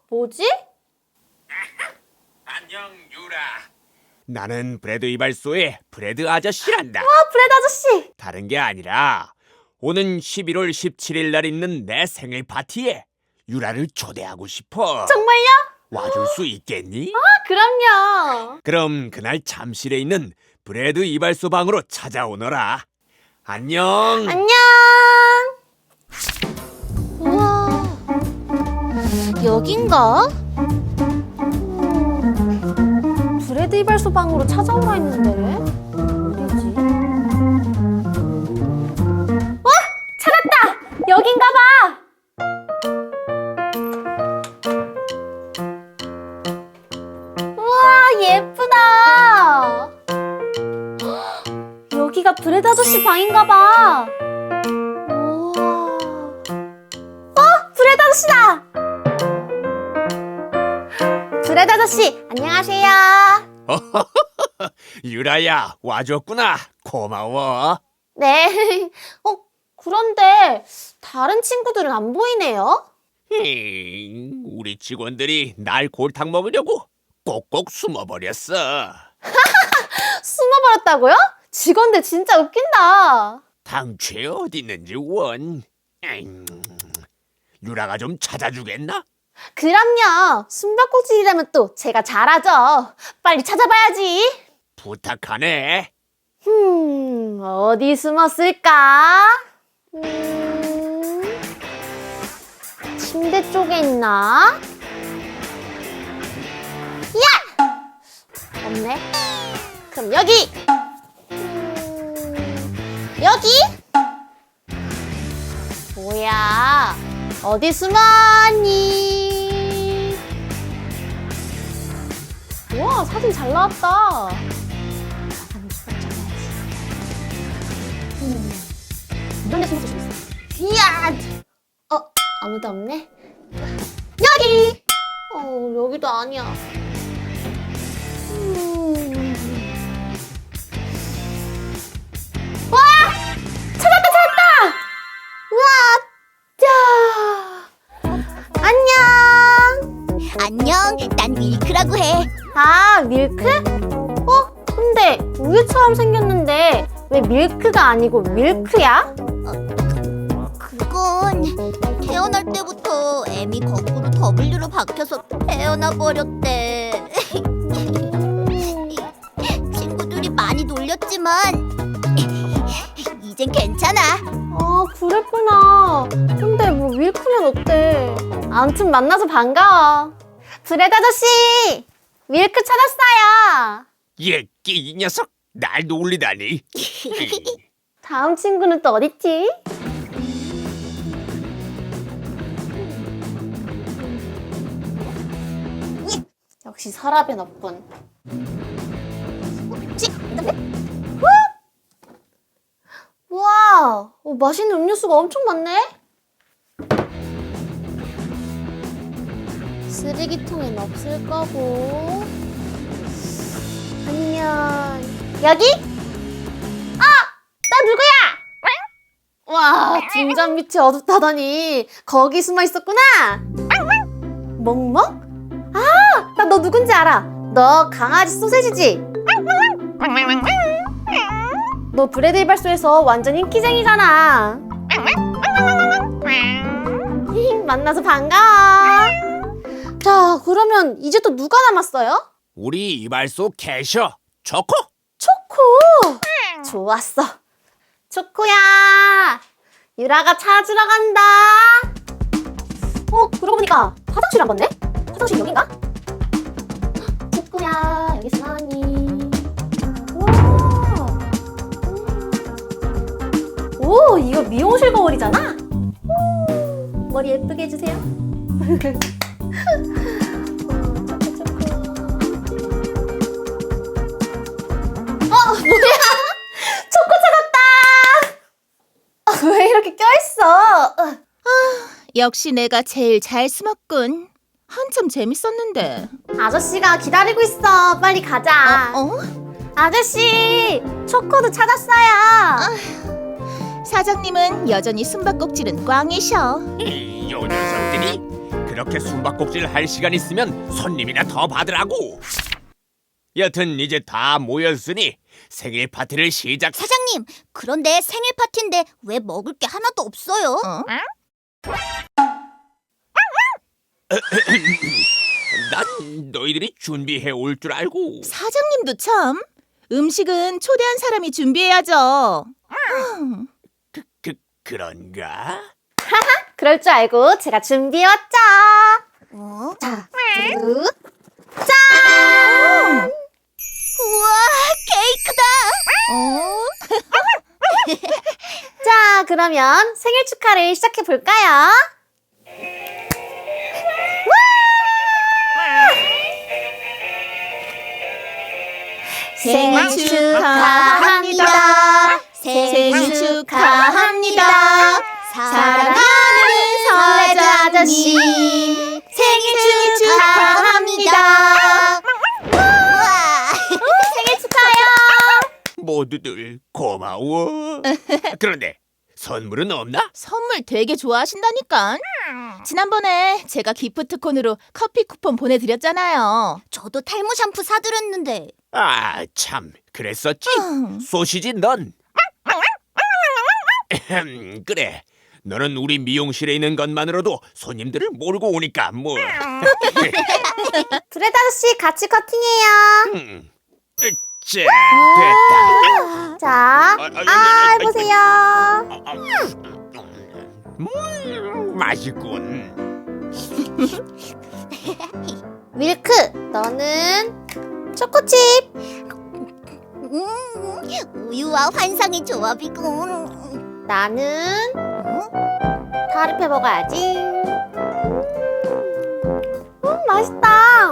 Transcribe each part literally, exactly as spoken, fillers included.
뭐지? 안녕 유라. 나는 브레드 이발소의 브레드 아저씨란다. 아, 브레드 아저씨! 다른 게 아니라 오는 십일월 십칠일 날 있는 내 생일 파티에 유라를 초대하고 싶어. 정말요? 와줄 수 있겠니? 아, 그럼요. 그럼 그날 잠실에 있는 브레드 이발소 방으로 찾아오너라. 안녕. 안녕. 우와, 여긴가? 음, 브레드 이발소 방으로 찾아오라 했는데 어디지? 와! 찾았다! 여긴가 봐! 우와, 예쁘다! 여기가 브레드 아저씨 방인가 봐! 우와. 어? 브레드 아저씨다! 브레드 아저씨, 안녕하세요. 유라야, 와줬구나. 고마워. 네. 어, 그런데 다른 친구들은 안 보이네요? 힝, 우리 직원들이 날 골탕 먹으려고 꼭꼭 숨어버렸어. 숨어버렸다고요? 직원들 진짜 웃긴다. 당최 어디 있는지 원. 에잉, 유라가 좀 찾아주겠나? 그럼요. 숨바꼭질이라면 또 제가 잘하죠. 빨리 찾아봐야지. 부탁하네. 음, 어디 숨었을까? 음, 침대 쪽에 있나? 야! 없네. 그럼 여기! 음, 여기? 뭐야? 어디 숨었니? 우와, 사진 잘 나왔다. 사진 찍어야지. 음, 이런 데 숨을 수 있어. 이야! 어, 아무도 없네. 여기! 어, 여기도 아니야. 음. 와! 찾았다, 찾았다! 우와! 자! 안녕! 안녕, 난 밀크라고 해. 아, 밀크? 어? 근데 우유처럼 생겼는데 왜 밀크가 아니고 밀크야? 그건 태어날 때부터 M이 거꾸로 W로 박혀서 태어나 버렸대. 친구들이 많이 놀렸지만 이젠 괜찮아. 아, 그랬구나. 근데 뭐 밀크면 어때? 아무튼 만나서 반가워. 브레드 아저씨! 밀크 찾았어요. 얘, 이 녀석 날 놀리다니. 다음 친구는 또 어딨지? 역시 서랍엔 없군. 우와, 어, 맛있는 음료수가 엄청 많네? 쓰레기통엔 없을 거고. 아니면 여기? 아! 나 누구야? 와, 등잔 밑이 어둡다더니 거기 숨어 있었구나. 멍멍? 아, 나 너 누군지 알아. 너 강아지 소세지지? 너 브레드 이발소에서 완전 인기쟁이잖아. 만나서 반가워. 자, 그러면 이제 또 누가 남았어요? 우리 이발소 캐셔 초코. 초코! 좋았어. 초코야! 유라가 찾으러 간다. 어, 그러고 보니까 화장실 안 갔네? 화장실 여긴가? 초코야, 여기 있으니. 우와! 오, 이거 미용실 거울이잖아? 오, 머리 예쁘게 해주세요. 어, 뭐야? 초코 찾았다! 아, 왜 이렇게 껴있어? 역시 내가 제일 잘 숨었군. 한참 재밌었는데. 아저씨가 기다리고 있어. 빨리 가자. 어? 어? 아저씨, 초코도 찾았어요. 사장님은 여전히 숨바꼭질은 꽝이셔. 이, 요 녀석들이 그렇게 숨바꼭질 할 시간 있으면 손님이나 더 받으라고. 여튼 이제 다 모였으니 생일 파티를 시작. 사장님, 그런데 생일 파티인데 왜 먹을 게 하나도 없어요? 난 너희들이 준비해 올 줄 알고. 사장님도 참. 음식은 초대한 사람이 준비해야죠. 그, 그 그런가? 그럴 줄 알고 제가 준비해왔죠. 어? 자, 두, 우와, 케이크다! 어? 자, 그러면 생일 축하를 시작해 볼까요? 생일 축하합니다. 생일 축하합니다. 사랑하는 사회자 아저씨 생일 축하합니다. 우와! 생일 축하해요. 모두들 고마워. 그런데 선물은 없나? 선물 되게 좋아하신다니까. 지난번에 제가 기프트콘으로 커피 쿠폰 보내드렸잖아요. 저도 탈모 샴푸 사드렸는데 아, 참 그랬었지. 음. 소시지 넌. 에헴, 그래. 너는 우리 미용실에 있는 것만으로도 손님들을 몰고 오니까 뭐. 브레드 아저씨 같이 커팅해요. 음, 자, 됐다. 자, 아, 아, 아, 아, 해보세요. 음, 맛있군. 밀크, 너는 초코칩. 음, 우유와 환상의 조합이군. 나는 다르페 먹어야지. 음, 맛있다.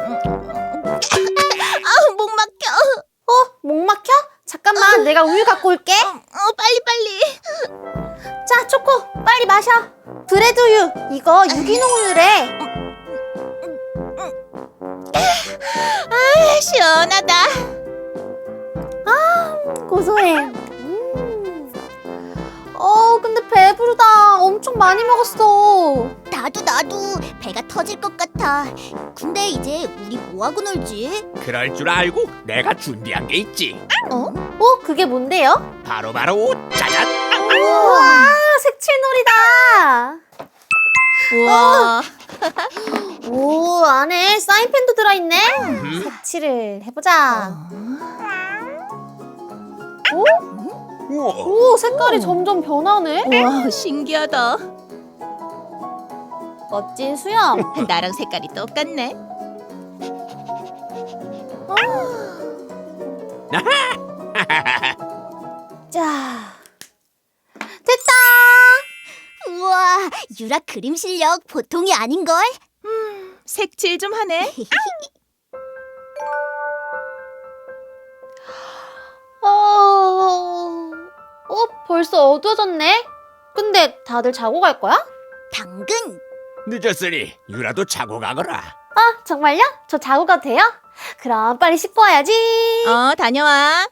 아우, 목 막혀. 어, 목 막혀? 잠깐만, 내가 우유 갖고 올게. 어, 빨리 빨리. 자, 초코, 빨리 마셔. 브레드 우유, 이거 유기농 우유래. 아, 시원하다. 고소해. 음. 어, 근데 배부르다. 엄청 많이 먹었어. 나도 나도 배가 터질 것 같아. 근데 이제 우리 뭐하고 놀지? 그럴 줄 알고 내가 준비한 게 있지. 어, 그게 뭔데요? 바로 바로 짜잔. 우와, 색칠놀이다. 우와. 오, 안에 사인펜도 들어있네. 음, 색칠을 해보자. 오, 우와. 오, 색깔이 점점 변하네. 우와, 신기하다. 멋진 수염. 나랑 색깔이 똑같네. 자, 됐다. 우와, 유라 그림 실력 보통이 아닌걸? 색칠 좀 하네. 어, 어, 벌써 어두워졌네. 근데 다들 자고 갈 거야? 당근! 늦었으니 유라도 자고 가거라. 아, 정말요? 저 자고 가도 돼요? 그럼 빨리 씻고 와야지. 어, 다녀와.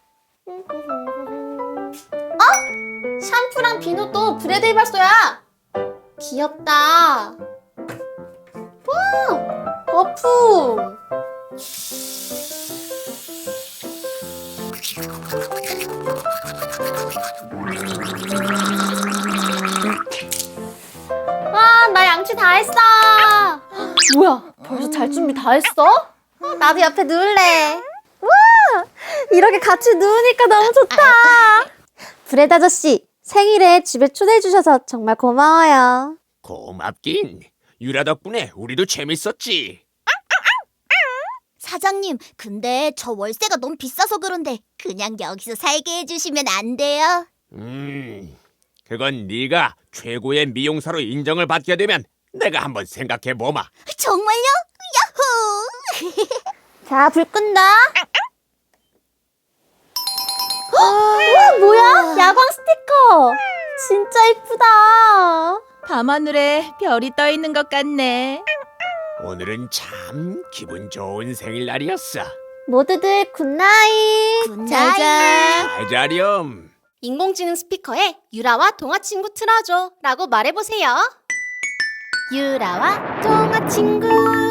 어? 샴푸랑 비누도 브레드 이발소야. 귀엽다. 와, 거품. 와, 나 양치 다 했어. 뭐야, 벌써 잘 준비 다 했어? 어, 나도 옆에 누울래. 와, 이렇게 같이 누우니까 너무 좋다. 브레드 아저씨, 생일에 집에 초대해 주셔서 정말 고마워요. 고맙긴. 유라 덕분에 우리도 재밌었지. 사장님, 근데 저 월세가 너무 비싸서 그런데 그냥 여기서 살게 해주시면 안 돼요? 음, 그건 네가 최고의 미용사로 인정을 받게 되면 내가 한번 생각해 보마. 정말요? 야호! 자, 불 끈다. 우와, 뭐야? 야광 스티커. 진짜 이쁘다. 밤하늘에 별이 떠 있는 것 같네. 오늘은 참 기분 좋은 생일날이었어. 모두들 굿나잇. 굿나잇. 잘 자렴. 인공지능 스피커에 유라와 동화 친구 틀어줘 라고 말해보세요. 유라와 동화 친구.